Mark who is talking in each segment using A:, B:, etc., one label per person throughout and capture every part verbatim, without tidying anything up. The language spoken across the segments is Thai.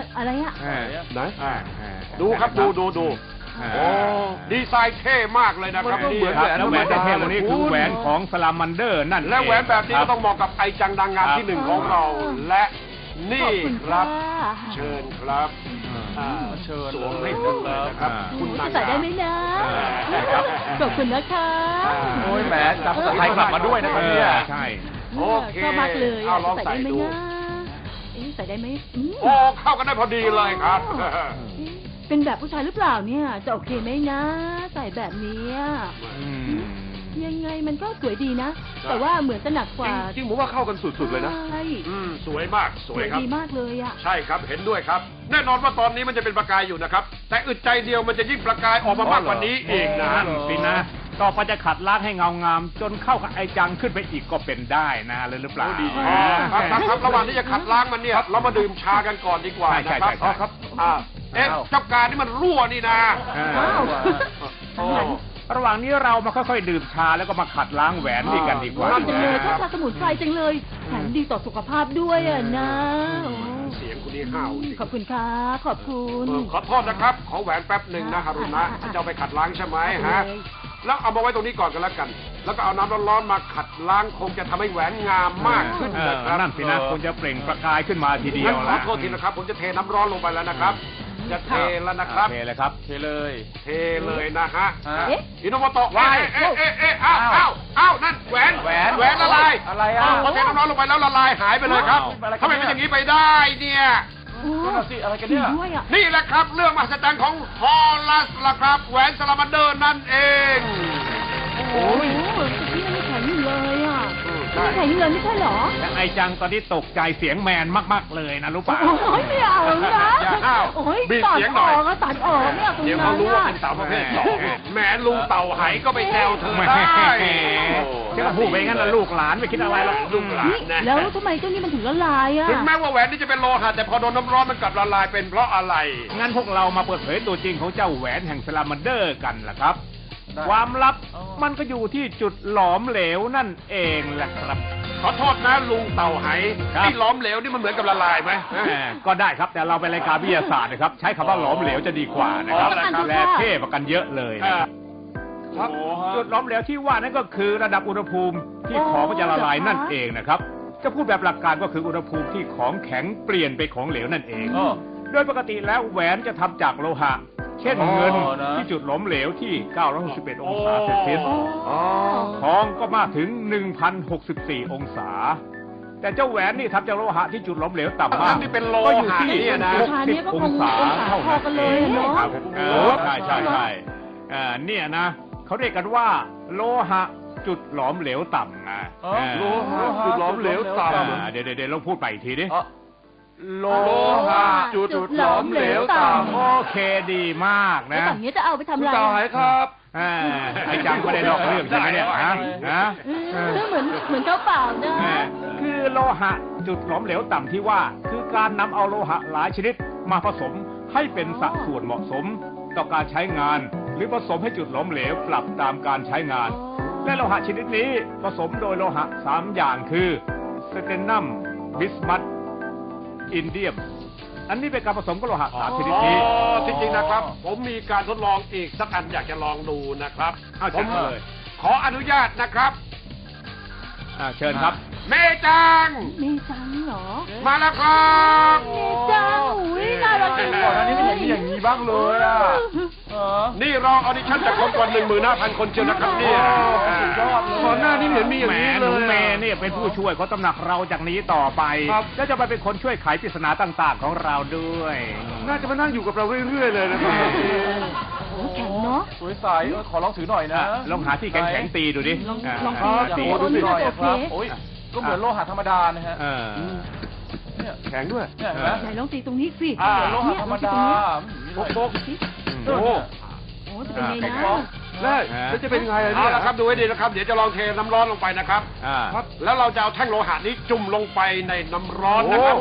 A: อะไรอ่ะ
B: ไหน
C: ดูครับดูดูดูโอ้ดีไซน์เท่มากเลยนะครับนี่ครับ
D: แล้วแหวนที่เท่วันนี้คือแหวนของสลามันเดอร์นั่นและ
C: แหวนแบบนี้ก็ต้องเหมาะกับไอจังดังงามที่หนึ่งของเราและนี่ครับเชิญครับเชิญสวมให้ผมเลยนะครับคุณนางงาม
A: ใส่ได้ไหมนะขอบคุณนะคะ
B: โอ้ยแหมจับสายกลับมาด้วยนะครับเนี่ย
D: ใช่
C: โอเค
A: ชอบมากเลย
C: เอาลองใส่ดู
A: ใส่ได้ไหม
C: โอ้เข้ากันได้พอดีเลยครับ
A: เป็นแบบผู้ชายหรือเปล่าเนี่ยจะโอเคไหมนะใส่แบบนี้ยังไงมันก็สวยดีนะแต่ว่าเหมือนจะหนักกว่า
C: จริงๆผมว่าเข้ากันสุดๆเลยนะ
A: ใช่
C: สวยมากสวยครับ
A: ดีมากเลยอ่ะ
C: ใช่ครับเห็นด้วยครับแน่นอนว่าตอนนี้มันจะเป็นประกายอยู่นะครับแต่อึดใจเดียวมันจะยิ่งประกายออกมามากกว่านี้อีกนะ
D: สินะต่อไปจะขัดล้างให้เงางามจนเข้ากับไอจังขึ้นไปอีกก็เป็นได้นะเลยหรือเปล่า
C: ดีครับครับระหว่างที่จะขัดล้างมันเนี่ยเรามาดื่มชากันก่อนดีกว่านะครับอ๋อครับเอ๊ะเจ้าการนี่มันรั่วนี่นะ
D: ระหว่างนี้เรามาค่อยๆดื่มชาแล้วก็มาขัดล้างแหวนนี่กันดีกว่า
A: จังเลยชอบชาสมุนไพรจังเลยแถมดีต่อสุขภาพด้วยอ่ะนะ
C: เสียงคุณนี่ห้าว
A: ขอบคุณครับขอบคุณ
C: ขอโทษนะครับขอแหวนแป๊บหนึ่งนะฮารุนะจะเอาไปขัดล้างใช่ไหมฮะแล้วเอามาไว้ตรงนี้ก่อนกันแล้วกันแล้วก็เอาน้ำร้อนๆมาขัดล้างคงจะทำให้แหวนงามมากขึ้นนะครับ
D: นั่นสินะคงจะเปล่งประกายขึ้นมาทีเดียว
C: ขอโทษทีนะครับผมจะเทน้ำร้อนลงไปแล้วนะครับจะเทแล้วนะครับ
D: เทเลยครับ
B: เทเลย
C: เทเลยนะฮะอินโนโมโตะเอ๊ะเอ๊ะเอ๊ะเอ๊ะอ้าวอ้าวอ้าวนั่นแหวน
B: แหวน
C: แหวนละลาย
B: อะไรอ่ะ
C: พอเทน้ำร้อนลงไปแล้วละลายหายไปเลยครับทำไมเป็นอย่างนี้ไปได้เนี่ย
B: อะไรกันเนี่ย
C: นี่แหละครับเรื่องมหัศจรรย์ของฮอลลัสล่ะครับแหวนสลามันเดอร์นั่นเอง
A: โอ้ยที่มันแข็งอยู่เลยอ่ะแข็งเลยไม่ใช่หรอ
D: ไอจังตอนนี้ตกใจเสียงแมนมากๆเลยนะรู้ป่ะ
A: โอ้ยไม่เอานะโอ้ยตัดออกก็ตัดออกเนี่ย
C: เดี๋ยวเขารู้ว่าเป็นเต่าประเภทสองแหมลุงเต่าไหก็ไปแซวเธอได้
D: แค่พูดไปงั้นละลูกหลานไม่คิดอะไรหรอก
C: ลูกหลานนะ
A: แล้วทำไมเจ้านี่มันถึงละลายอ่ะ
C: ถึงแม้ว่าแหวนนี่จะเป็นโลหะแต่พอโดนน้ำร้อนมันกลับละลายเป็นเพราะอะไร
D: งั้นพวกเรามาเปิดเผยตัวจริงของเจ้าแหวนแห่งสลามันเดอร์กันล่ะครับความลับมันก็อยู่ที่จุดหลอมเหลวนั่นเองแหละครับ
C: ขอโทษนะลุงเต่าไหที่หลอมเหลวนี่มันเหมือนกับละลายไหม
D: ก็ได้ครับแต่เราเป็นรายการวิทยาศาสตร์นะครับใช้คำว่าหลอมเหลวจะดีกว่านะครับและเท่กว่ากันเยอะเลยนะครับจุดหลอมเหลวที่ว่านั่นก็คือระดับอุณหภูมิที่ของมันจะละลายนั่นเองนะครับจะพูดแบบหลักการก็คืออุณหภูมิที่ของแข็งเปลี่ยนไปของเหลวนั่นเองโดยปกติแล้วแหวนจะทำจากโลหะเช่นเงินที่จุดหลอมเหลวที่เก้าร้อยหกสิบเอ็ดองศาเซลเซียสทองก็มากถึง หนึ่งพันหกสิบสี่ องศาแต่เจ้าแหวนนี่ทำจากโลหะที่จุดหลอมเหลวต่ำมากก็อยู่ที่หกสิบองศาเท่านั้นเองครับใช่ใช่ใช่เนี่ยนะเขาเรียกกันว่าโลหะจุดหลอมเหลวต่ำนะ
C: โลหะจุดหลอมเหลวต่ำ
D: เดี๋ยวเดี๋ยวเราพูดไปอีกทีดิ
C: โลหะจุดหลอมเหลวต่ำ
D: โอเคดีมากนะ
A: อย่างนี้จะเอาไปทำอะไร
C: ต่อไหครับ
D: ไอ้จังไม่ได้นอกเรื่องใช่ไหมเนี่ยฮะฮะ
A: เหมือนเหมือนเจ้าเปล่านะ
D: คือโลหะจุดหลอมเหลวต่ำที่ว่าคือการนำเอาโลหะหลายชนิดมาผสมให้เป็นสัดส่วนเหมาะสมต่อการใช้งานหรือผสมให้จุดหลอมเหลวปรับตามการใช้งานและโลหะชนิดนี้ผสมโดยโลหะสามอย่างคือสเตนนัมบิสมัทอินเดียมอันนี้เป็นการผสมกับโลหะสามชนิดนี้
C: จริงๆนะครับผมมีการทดลองอีกสักอันอยากจะลองดูนะครับ
D: ผมเลย
C: ขออนุญาตนะครับ
D: เชิญครับ
C: เมจัง
A: เมจังเหรอ
C: มาแล้วครับ
A: เมจังอุ้ยน่ารักจังเลย
B: ก่อนหน้านี้ไม่เห็นมีอย่างนี้บ้างเลยอ่ะ
C: นี่รอออดิชั่นจากคนกว่าหนึ่งหมื่นห้าพันคนเชียวนะครับเนี่ย
B: ยอดเลย
C: ก่อนหน้านี้เห็นมีอย่างนี้เลย
D: เมย์เนี่ยเป็นผู้ช่วยของตำหนักเราจากนี้ต่อไปแล้วจะไปเป็นคนช่วยไขปริศนาต่างๆของเราด้วย
C: น่าจะมานั่งอยู่กับเราเรื่อยๆเลยนะครับ
A: แข็งเนาะ
B: สวยใสขอลองถือหน่อยนะ
D: ลองหาที่แข็งๆตีดูดิ
A: ลอง
B: ตีดูหน่อยครับโอ้ยก็เหมือนโลหะธรรมดานะฮะ
C: เนี่ยแข็งด้วย
B: เนี่ยนะ
A: ไหนลองตีตรงนี้สิ
B: โลหะธรรมดา
C: โป๊กโป๊ก
A: โอ้โหเป็นไงนะ
C: แล้วจะเป็นไงเอาละครับดูให้ดีนะครับเดี๋ยวจะลองเทน้ำร้อนลงไปนะครับแล้วเราจะเอาแท่งโลหะนี้จุ่มลงไปในน้ำร้อนนะครับ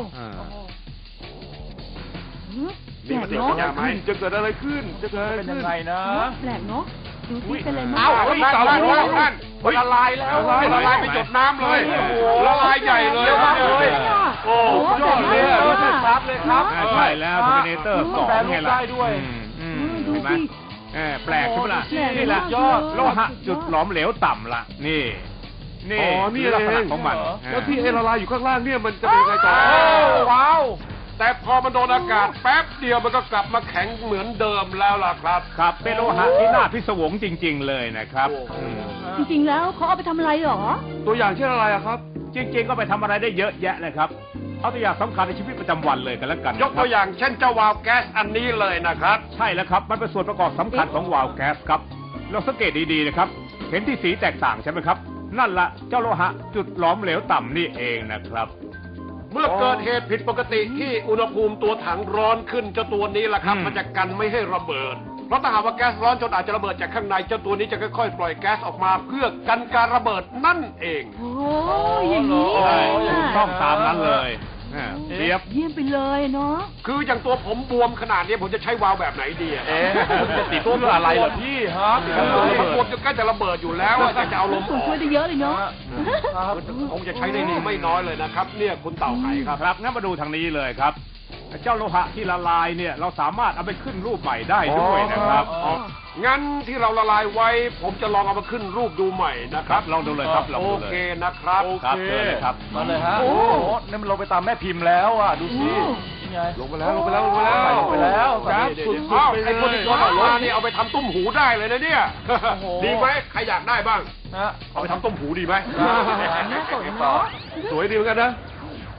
A: นี่มันจะเป็นยังไง
C: จะเกิดอะไรขึ้นจะเกิด
B: เป็นยังไงนะ
A: แปลกเนาะดูที่เป็นอะไร
C: มั้งเอาละลายแล้วท่านละลายแล้วละลายไปจดน้ำเลยละลายใหญ่เลยมากเลย
B: โอ้ยอดเลยรู้สึกครับดเลยครับ
D: อ่าใช่แล้วเทอร์มินเตอร์สอง
B: แปรรู
D: ไง
B: ป
D: ล่ะ
B: ได้ด้วย
D: อืมอืม
A: ดู
D: เห็นไหม
A: สิ
D: เออแปลกใช่ไหมล่ะ
A: โอ้แปลก
D: นี่แหละ
A: มาก
D: ยอด
A: เลย
D: โลหะจุดหลอมเหลวต่ำล่ะ นี่ นี่
C: อ๋อนี่
D: คือลักษณะ
C: เอง
D: ของมัน
C: แล้วที่ไอ้ละลายอยู่ข้างล่างเนี่ยมันจะเป็นยังไงต่อ
B: โอ้ว้าว
C: แต่พอมันโดนอากาศแป๊บเดียวมันก็กลับมาแข็งเหมือนเดิมแล้วล่ะครับ
D: ครับเป็นโลหะที่น่าพิศวงจริง ๆ เลยนะครับ
C: โอ้โห
D: อืม
A: จริงๆแล้วเขาเอาไปทำอะไรหรอ
C: ตัวอย่างเช่นอะไรอะครับ
D: จริง ๆ ก็ไปทำอะไรได้เยอะแยะเลยครับ เอาตัวอย่างสำคัญในชีวิตประจำวันเลยกันแล้วกัน
C: ยกตัวอย่างเช่นเจ้าวาล์วแก๊สอันนี้เลยนะครับ
D: ใช่แล้วครับ มันเป็นส่วนประกอบสำคัญของวาล์วแก๊สครับลองสังเกตดีๆนะครับ เห็นที่สีแตกต่างใช่ไหมครับ นั่นละเจ้าโลหะจุดหลอมเหลวต่ำนี่เองนะครับ
C: เมื่อเกิดเหตุผิดปกติที่อุณหภูมิตัวถังร้อนขึ้นเจ้าตัวนี้แหละครับ
D: อืม
C: มันจะกันไม่ให้ระเบิด เพราะถ้าหากว่าแก๊สร้อนจนอาจจะระเบิดจากข้างในเจ้าตัวนี้จะค่อยๆ ปล่อยแก๊สออกมาเพื่อกันการระเบิดนั่นเอง
A: โอ้ยอย่างนี้
D: ใช่
A: เอง
D: ถูก
A: อะ
D: ต้องตามนั้นเลยอ่าเทียบ
A: เยี่ยมไปเลยเนาะ
C: คืออย่างตัวผมบวมขนาดนี้ผมจะใช้วาล์วแบบไหนดีอะ
B: เอ๊ะคุณจะติดตัวอะไรเหรอพี่ฮะติด
C: ตัว
B: ตัว
C: ผม
B: ระ
C: บ
B: เบิ
C: ว
B: ด
C: มจนใกล้จะระเบิดอยู่แล้วอะอยากจะเอาลมอ
A: ส่วน
C: อก
A: ช่วยได้เยอะเลยเนาะ
B: ครับ
C: คงจะใช้ได้ดีไม่น้อยเลยนะครับ เนี่ยคุณเต่าไข่ครับ
D: ครับงั้นมาดูทางนี้เลยครับ เจ้าโลหะที่ละลายเนี่ยเราสามารถเอาไปขึ้นรูปใหม่ได้ด้วยนะครับ
A: อ๋อ
C: งั้นที่เราละลายไว้ ผมจะลองเอามาขึ้นรูปดูใหม่นะค
D: ครั
C: รั
D: บบ ลองดูเลยครับลอง
C: โอ
D: ดูเล
C: เค
D: ย
C: นะครับ
D: ครับเชิญเลยครับ
B: มาเลยฮะ
A: โอ้
B: โอ้โหนี่มันลงไปตามแม่พิมพ์แล้วอ่ะ ดูสินี่ไง
C: ลงไปแล้วลงไปแล้วลงไปแล้ว
B: ลงไปแล้ว
C: ครับ
B: เดี๋ยว
C: สุด
B: เดี๋ยว
C: อ้าว
B: เดี๋ยว
C: ไอ้คนที่โยนออกมานี่เอาไปทำตุ้มหูได้เลยนะเนี่ย
B: โอ้โห
C: ดีไหมใครอยากได้บ้าง
B: นะ
C: เอาไปทำตุ้มหูดีไหม
A: น่าสนเนาะ
C: สวยดีเหมือนกันนะ